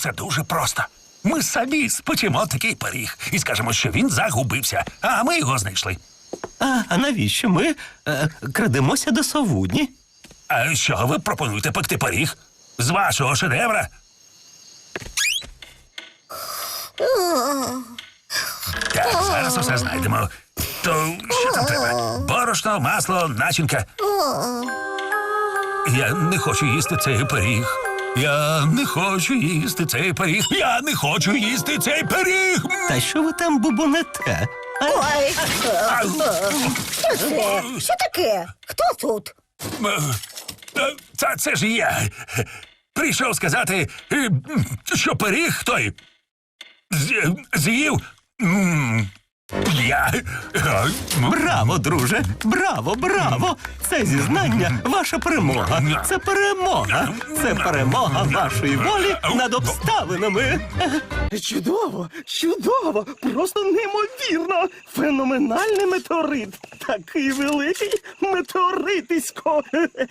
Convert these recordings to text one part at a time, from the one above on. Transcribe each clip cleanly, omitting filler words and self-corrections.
все дуже просто. Ми самі спечемо такий пиріг і скажемо, що він загубився, а ми його знайшли. А навіщо ми крадемося до совудні? А що ви пропонуєте пекти пиріг? З вашого шедевра? Так, зараз усе знайдемо. То що там треба? Борошно, масло, начинка. Я не хочу їсти цей пиріг. Я не хочу їсти цей пиріг. Я не хочу їсти цей пиріг. Та що ви там бубонете? Ой, Ау. що це? Що таке? Хто тут? Це ж я. Прийшов сказати, що пиріг той з'їв. Я. Браво, друже! Браво, браво! Це зізнання – ваша перемога. Це перемога. Це перемога вашої волі над обставинами. Чудово, чудово, просто неймовірно. Феноменальний метеорит. Такий великий метеоритисько.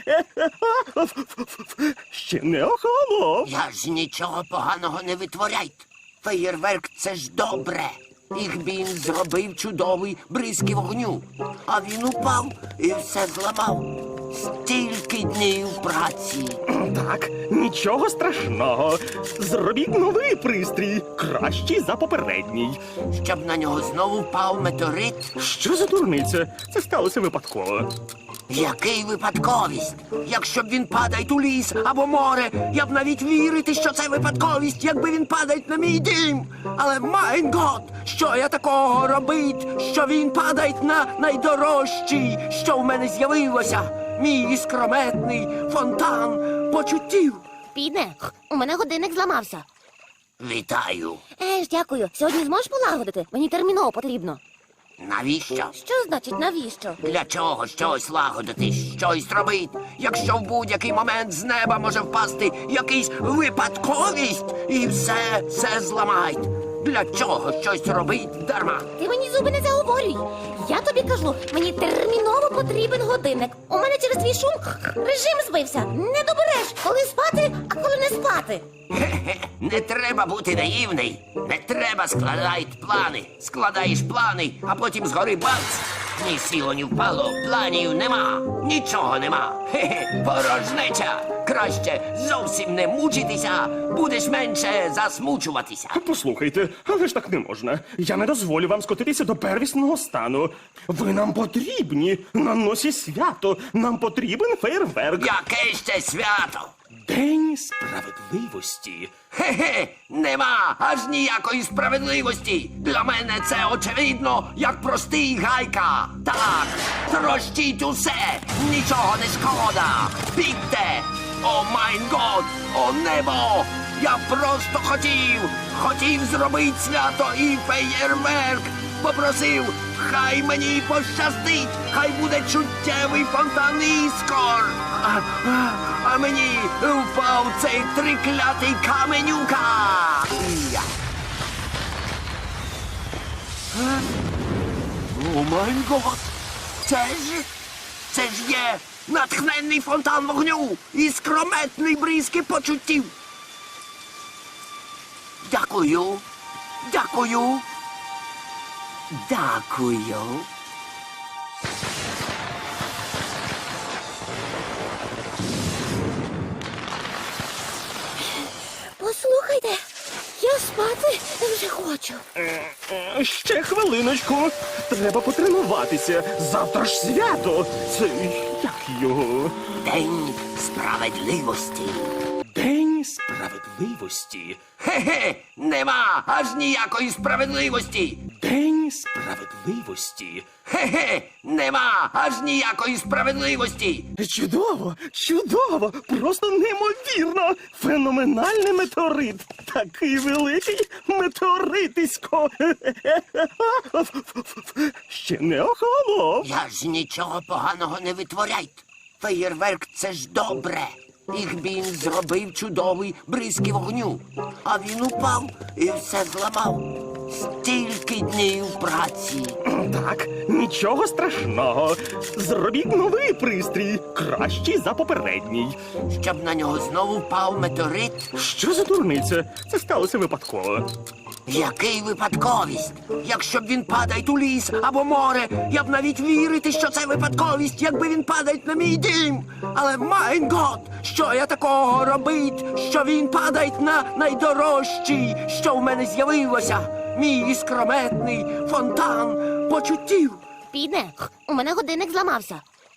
Ще не охолонув. Я ж нічого поганого не витворяйте. Феєрверк – це ж добре. Ігбін зробив чудовий бризки вогню. А він упав і все зламав. Стільки днів праці. Так, нічого страшного. Зробіть новий пристрій, кращий за попередній. Щоб на нього знову впав метеорит. Що за дурниця? Це сталося випадково. Який випадковість? Якщо б він падає у ліс або море, я б навіть вірити, що це випадковість, якби він падає на мій дім. Але, майн гот, що я такого робить, що він падає на найдорожчий, що в мене з'явилося? Мій іскрометний фонтан почуттів. Піде, у мене годинник зламався. Вітаю. Дякую. Сьогодні зможеш полагодити? Мені терміново потрібно. Навіщо? Що значить навіщо? Для чого щось лагодити, щось робити, якщо в будь-який момент з неба може впасти якийсь випадковість і все зламають? Для чого щось робить дарма? Ти мені зуби не заговорюй. Я тобі кажу, мені терміново потрібен годинник. У мене через твій шум режим збився. Не добереш, коли спати, а коли не спати. Хе-хе, не треба бути наївний. Не треба складати плани. Складаєш плани, а потім згори бац. Ні сіло, ні впало, планів нема. Нічого нема. Хе-хе, порожнеча. Краще зовсім не мучитися, будеш менше засмучуватися. Послухайте, але ж так не можна. Я не дозволю вам скотитися до первісного стану. Ви нам потрібні. На носі свято. Нам потрібен фейерверк. Яке ще свято? День справедливості. Хе-хе, нема аж ніякої справедливості. Для мене це очевидно, як простий гайка. Так, трощіть усе, нічого не шкода. Бігте! О майн год, о небо! Я просто хотів зробити свято і феєрверк. Попросив, хай мені пощастить, хай буде чуттєвий фонтан іскор. А мені впав цей триклятий каменюка. О май гот! Це ж є натхненний фонтан вогню і скрометний бризки почуттів. Дякую. Дякую. Дякую. Послухайте, я спати вже хочу. Ще хвилиночку. Треба потренуватися. Завтра ж свято. Це як його? День справедливості. День справедливості. Хе-хе, нема аж ніякої справедливості. День справедливості. Хе-хе, нема аж ніякої справедливості. Чудово, чудово, просто неймовірно. Феноменальний метеорит. Такий великий метеоритисько. Ще не охолонув. Я ж нічого поганого не витворяйте. Феєрверк – це ж добре. Ігбін зробив чудовий бризки вогню. А він упав і все зламав. Стільки днів праці. Так, нічого страшного. Зробіть новий пристрій, кращий за попередній. Щоб на нього знову впав метеорит. Що за дурниця? Це сталося випадково. Який випадковість? Якщо б він падає у ліс або море, я б навіть вірити, що це випадковість, якби він падає на мій дім. Але майн гот, що я такого робить, що він падає на найдорожчий, що в мене з'явилося, мій іскрометний фонтан почуттів. Піде, у мене годинник зламався.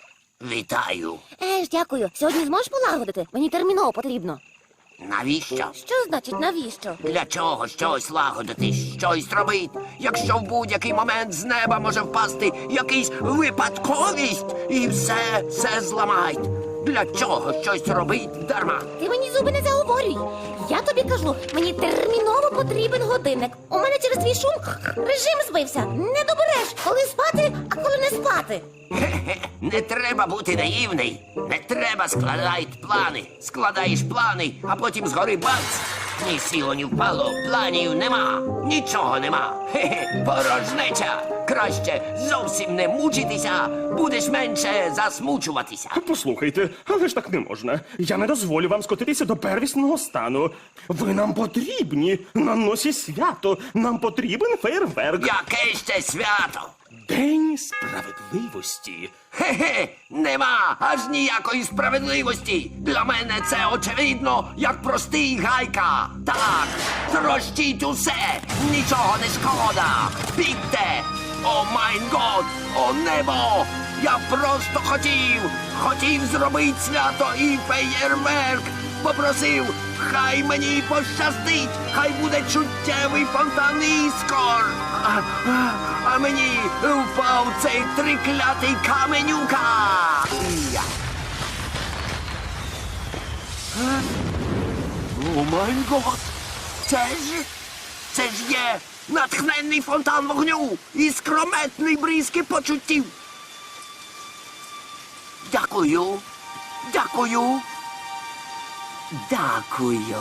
Вітаю. Дякую. Сьогодні зможеш полагодити? Мені терміново потрібно. Навіщо? Що значить навіщо? Для чого щось лагодити, щось робить, якщо в будь-який момент з неба може впасти якийсь випадковість і все зламають? Для чого щось робить дарма? Ти мені зуби не заговорюй. Я тобі кажу, мені терміново потрібен годинник. У мене через твій шум режим збився. Не добереш, коли спати, а коли не спати. Хе-хе, не треба бути наївний. Не треба складати плани. Складаєш плани, а потім згори бац. Ні сіло, ні впало, планів нема, нічого нема. Хе-хе, порожнеча. Краще зовсім не мучитися, будеш менше засмучуватися. Послухайте, але ж так не можна. Я не дозволю вам скотитися до первісного стану. Ви нам потрібні на носі свято. Нам потрібен фейерверк. Яке ще свято? День справедливості. Хе-хе, нема аж ніякої справедливості. Для мене це очевидно, як простий гайка. Так, трощіть усе, нічого не шкода. Бігте! О майн год, о небо! Я просто хотів зробити свято і феєрверк. Попросив, хай мені пощастить, хай буде чуттєвий фонтан іскор. А мені впав цей триклятий каменюка. Я. О май гот! Це ж є натхненний фонтан вогню і скрометний бризки почуттів. Дякую. Дякую. Дякую.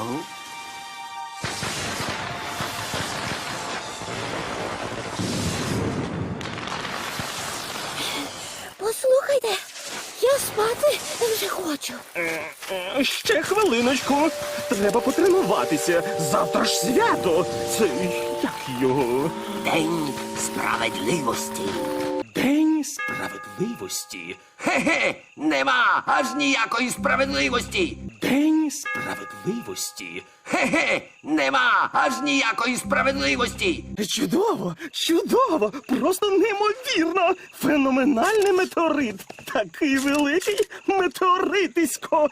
Послухайте, я спати вже хочу. Ще хвилиночку. Треба потренуватися. Завтра ж свято. Це як його? День справедливості. День справедливості. Хе-хе, нема аж ніякої справедливості. День справедливості. Хе-хе, нема аж ніякої справедливості. Чудово, чудово, просто неймовірно. Феноменальний метеорит. Такий великий метеоритисько.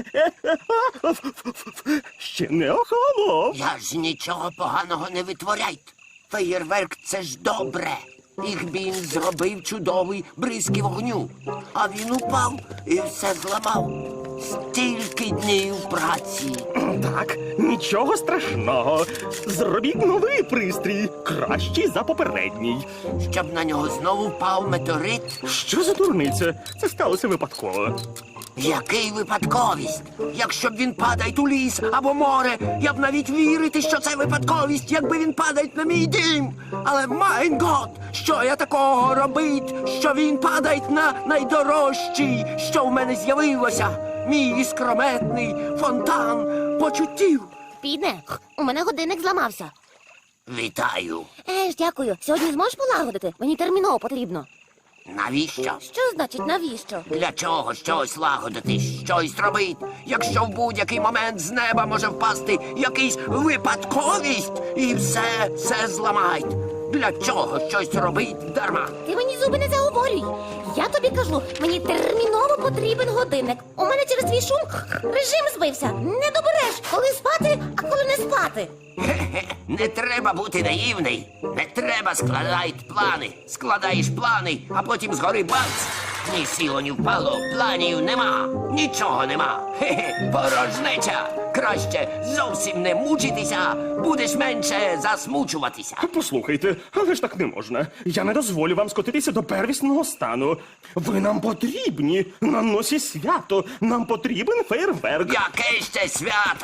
Ще не охолонув. Я ж нічого поганого не витворяйте. Феєрверк — це ж добре. Їх він зробив чудовий бризки вогню. А він упав і все зламав. Стільки днів праці. Так, нічого страшного. Зробіть новий пристрій, кращий за попередній. Щоб на нього знову впав метеорит. Що за дурниця? Це сталося випадково. Який випадковість? Якщо б він падає у ліс або море, я б навіть вірити, що це випадковість, якби він падає на мій дім. Але майн гот, що я такого робить, що він падає на найдорожчий, що в мене з'явилося, мій іскрометний фонтан почуттів. Піде, у мене годинник зламався. Вітаю. Дякую. Сьогодні зможеш полагодити? Мені терміново потрібно. Навіщо? Що значить навіщо? Для чого щось лагодити, щось робить, якщо в будь-який момент з неба може впасти якийсь випадковість і все зламають? Для чого щось робить дарма? Ти мені зуби не заговорюй. Я тобі кажу, мені терміново потрібен годинник. У мене через твій шум режим збився. Не добереш, коли спати, а коли не спати. Хе-хе, не треба бути наївний. Не треба складати плани. Складаєш плани, а потім згори бац. Ні сіло, ні впало, планів нема, нічого нема. Хе-хе, порожнеча. Краще зовсім не мучитися, будеш менше засмучуватися. Послухайте, але ж так не можна. Я не дозволю вам скотитися до первісного стану. Ви нам потрібні на носі свято. Нам потрібен фейерверк. Яке ще свято?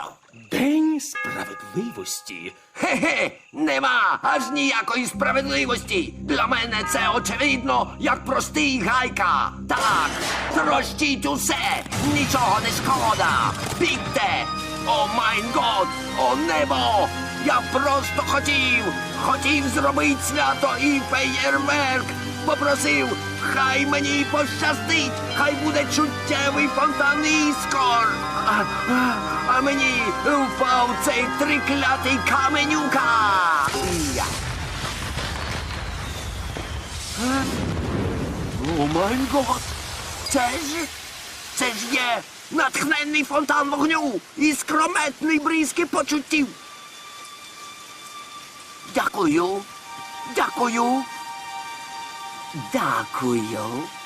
День справедливості. Хе-хе, нема аж ніякої справедливості. Для мене це очевидно, як простий гайка. Так, трощіть усе, нічого не шкода. Бігте! О майн год, о небо! Я просто хотів зробити свято і феєрверк. Попросив, хай мені пощастить, хай буде чуттєвий фонтан іскор. А мені впав цей триклятий каменюка. Я. О май гот! Це ж є натхненний фонтан вогню і скрометний бризки почуттів. Дякую. Дякую. Дякую.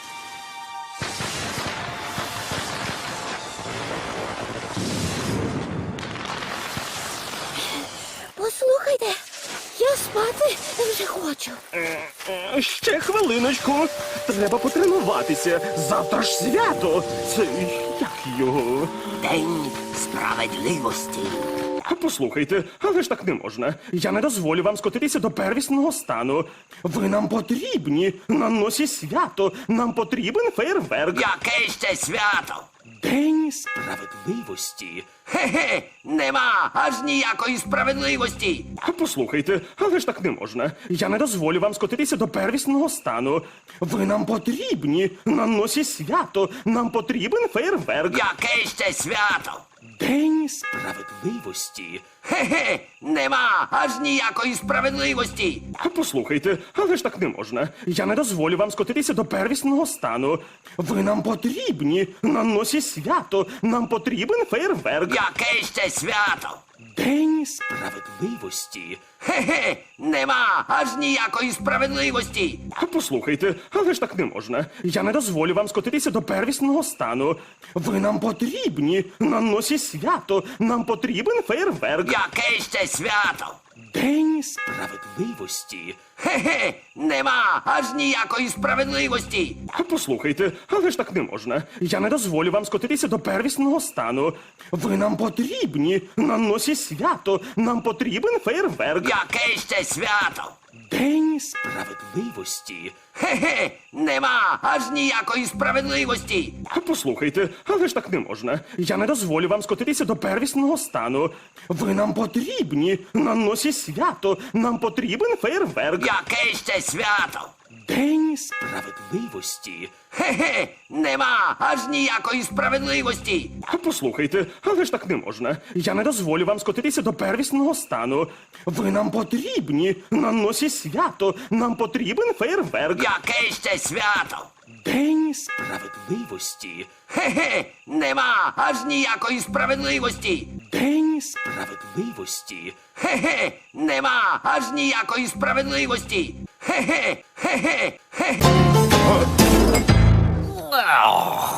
Послухайте, я спати вже хочу. Ще хвилиночку. Треба потренуватися. Завтра ж свято. Це як його? День справедливості. Послухайте, але ж так не можна. Я не дозволю вам скотитися до первісного стану. Ви нам потрібні. На носі свято. Нам потрібен фейерверк. Яке ще свято? День справедливості. Хе-хе, нема аж ніякої справедливості. Послухайте, але ж так не можна. Я не дозволю вам скотитися до первісного стану. Ви нам потрібні. На носі свято. Нам потрібен фейерверк. Яке ще свято? День справедливості. Хе-хе, нема аж ніякої справедливості. Послухайте, але ж так не можна. Я не дозволю вам скотитися до первісного стану. Ви нам потрібні. На носі свято. Нам потрібен фейерверк. Яке ще свято? День справедливості. Хе-хе, нема аж ніякої справедливості. Послухайте, але ж так не можна. Я не дозволю вам скотитися до первісного стану. Ви нам потрібні. На носі свято. Нам потрібен фейерверк. Яке ще свято? День справедливості. Хе-хе, нема аж ніякої справедливості. Послухайте, але ж так не можна. Я не дозволю вам скотитися до первісного стану. Ви нам потрібні. На носі свято. Нам потрібен фейерверк. Яке ще свято? День справедливості. Хе-хе, нема аж ніякої справедливості. Послухайте, але ж так не можна. Я не дозволю вам скотитися до первісного стану. Ви нам потрібні. На носі свято. Нам потрібен фейерверк. Яке ще свято? День справедливості. Хе-хе, нема аж ніякої справедливості. Послухайте, але ж так не можна. Я не дозволю вам скотитися до первісного стану. Ви нам потрібні. На носі свято. Нам потрібен фейерверк. Яке ще свято? День справедливості. Хе-хе, нема аж ніякої справедливості. День справедливості. Хе-хе, нема аж ніякої справедливості. Хе-хе, хе-хе, хе-хе.